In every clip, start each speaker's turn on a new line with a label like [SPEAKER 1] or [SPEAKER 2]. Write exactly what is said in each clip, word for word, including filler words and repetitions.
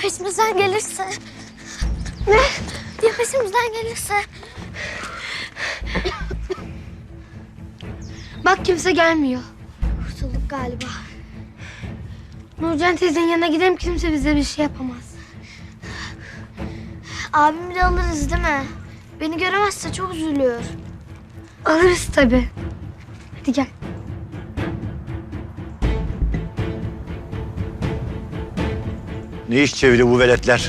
[SPEAKER 1] peşimizden gelirse? Ne? Ya peşimizden gelirse?
[SPEAKER 2] Bak kimse gelmiyor.
[SPEAKER 1] Kurtulduk galiba.
[SPEAKER 2] Nurcan teyzenin yanına gidelim, kimse bize bir şey yapamaz.
[SPEAKER 1] Abimi de alırız değil mi? Beni göremezse çok üzülüyor.
[SPEAKER 2] Alırız tabii. Hadi gel.
[SPEAKER 3] Ne iş çeviriyor bu veletler?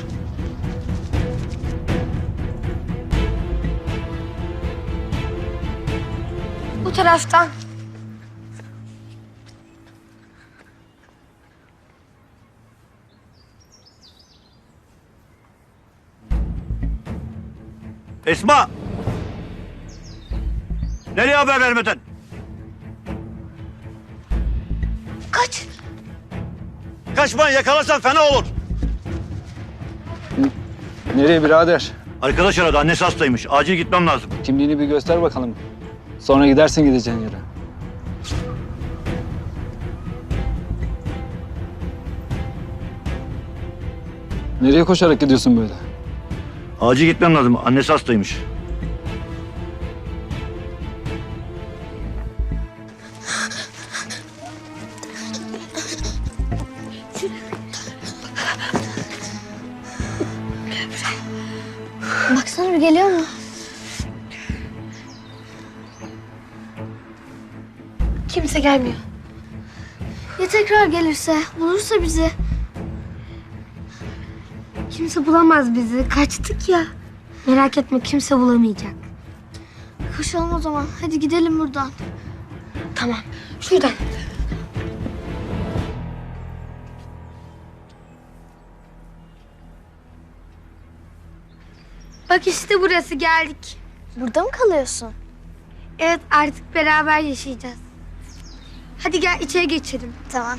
[SPEAKER 2] Bu taraftan.
[SPEAKER 3] Esma! Nereye haber vermeden?
[SPEAKER 1] Kaç!
[SPEAKER 3] Kaçmayın, yakalarsan fena olur.
[SPEAKER 4] Nereye birader?
[SPEAKER 3] Arkadaş aradı, annesi hastaymış. Acil gitmem lazım.
[SPEAKER 4] Kimliğini bir göster bakalım. Sonra gidersin gideceğin yere. Nereye koşarak gidiyorsun böyle?
[SPEAKER 3] Acil gitmem lazım, annesi hastaymış.
[SPEAKER 1] Baksana bir geliyor mu?
[SPEAKER 2] Kimse gelmiyor.
[SPEAKER 1] Ya tekrar gelirse, bulursa bizi?
[SPEAKER 2] Kimse bulamaz bizi. Kaçtık ya. Merak etme, kimse bulamayacak.
[SPEAKER 1] Koşalım o zaman. Hadi gidelim buradan.
[SPEAKER 2] Tamam. Şuradan. Bak işte burası, geldik.
[SPEAKER 1] Burada mı kalıyorsun?
[SPEAKER 2] Evet, artık beraber yaşayacağız. Hadi gel içeri geçelim.
[SPEAKER 1] Tamam.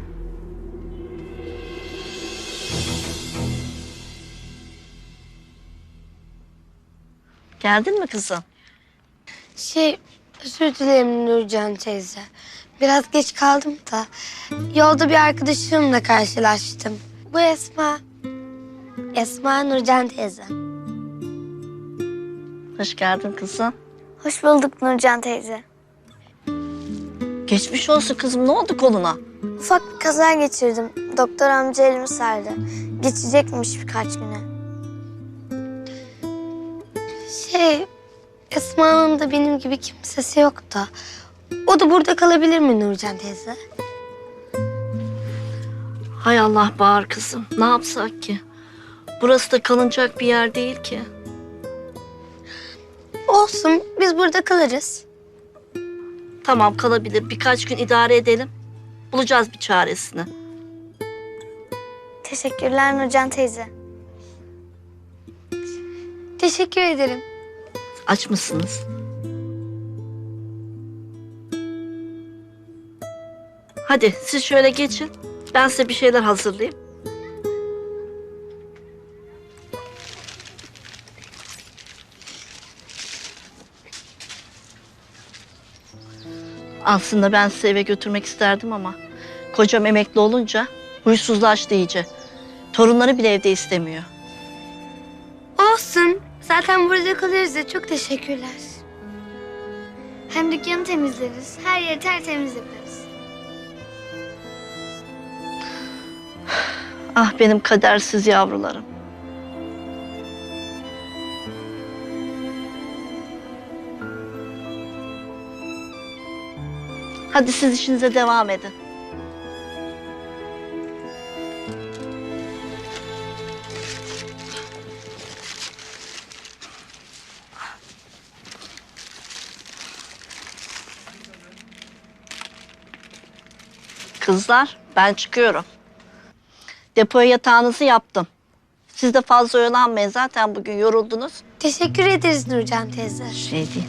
[SPEAKER 5] Geldin mi kızım?
[SPEAKER 2] Şey, özür dilerim Nurcan teyze. Biraz geç kaldım da. Yolda bir arkadaşımla karşılaştım. Bu Esma. Esma Nurcan teyze.
[SPEAKER 5] Hoş geldin kızım.
[SPEAKER 1] Hoş bulduk Nurcan teyze.
[SPEAKER 5] Geçmiş olsun kızım. Ne oldu koluna?
[SPEAKER 1] Ufak bir kaza geçirdim. Doktor amca elimi sardı. Geçecekmiş birkaç güne.
[SPEAKER 2] Şey, Esma'nın da benim gibi kimsesi yok da. O da burada kalabilir mi Nurcan teyze?
[SPEAKER 5] Hay Allah Bahar kızım. Ne yapsak ki? Burası da kalınacak bir yer değil ki.
[SPEAKER 2] Olsun, biz burada kalırız.
[SPEAKER 5] Tamam kalabilir. Birkaç gün idare edelim. Bulacağız bir çaresini.
[SPEAKER 1] Teşekkürler Nurcan teyze.
[SPEAKER 2] Teşekkür ederim.
[SPEAKER 5] Aç mısınız? Hadi siz şöyle geçin. Ben size bir şeyler hazırlayayım. Aslında ben sizi eve götürmek isterdim ama kocam emekli olunca huysuzlaştı iyice. Torunları bile evde istemiyor.
[SPEAKER 2] Olsun, zaten burada kalırız ya. Çok teşekkürler.
[SPEAKER 1] Hem dükkanı temizleriz. Her yeri tertemiz yaparız.
[SPEAKER 5] Ah benim kadersiz yavrularım. Hadi siz işinize devam edin. Kızlar, ben çıkıyorum. Depoya yatağınızı yaptım. Siz de fazla oyalanmayın. Zaten bugün yoruldunuz.
[SPEAKER 2] Teşekkür ederiz Nurcan teyze.
[SPEAKER 5] Şey değil.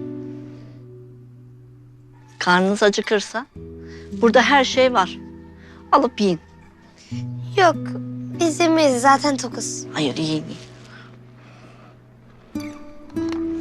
[SPEAKER 5] Karnınız acıkırsa burada her şey var. Alıp yiyin.
[SPEAKER 2] Yok, biz yemeyiz. Zaten tokuz.
[SPEAKER 5] Hayır yiyin yiyin.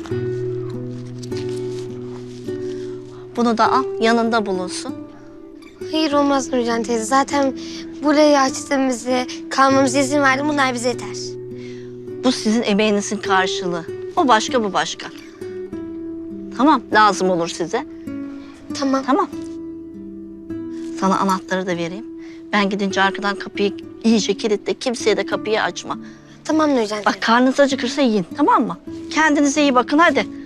[SPEAKER 5] Bunu da al, yanında bulunsun.
[SPEAKER 2] Hayır olmaz Nurcan teyze. Zaten burayı açtığımızı, kalmamıza izin verdi. Bunlar bize yeter.
[SPEAKER 5] Bu sizin emeğinizin karşılığı. O başka, bu başka. Tamam, lazım olur size.
[SPEAKER 2] Tamam.
[SPEAKER 5] Tamam. Sana anahtarı da vereyim. Ben gidince arkadan kapıyı iyice kilitle. Kimseye de kapıyı açma.
[SPEAKER 2] Tamam Nurcan teyze.
[SPEAKER 5] Bak karnınız acıkırsa yiyin, tamam mı? Kendinize iyi bakın hadi.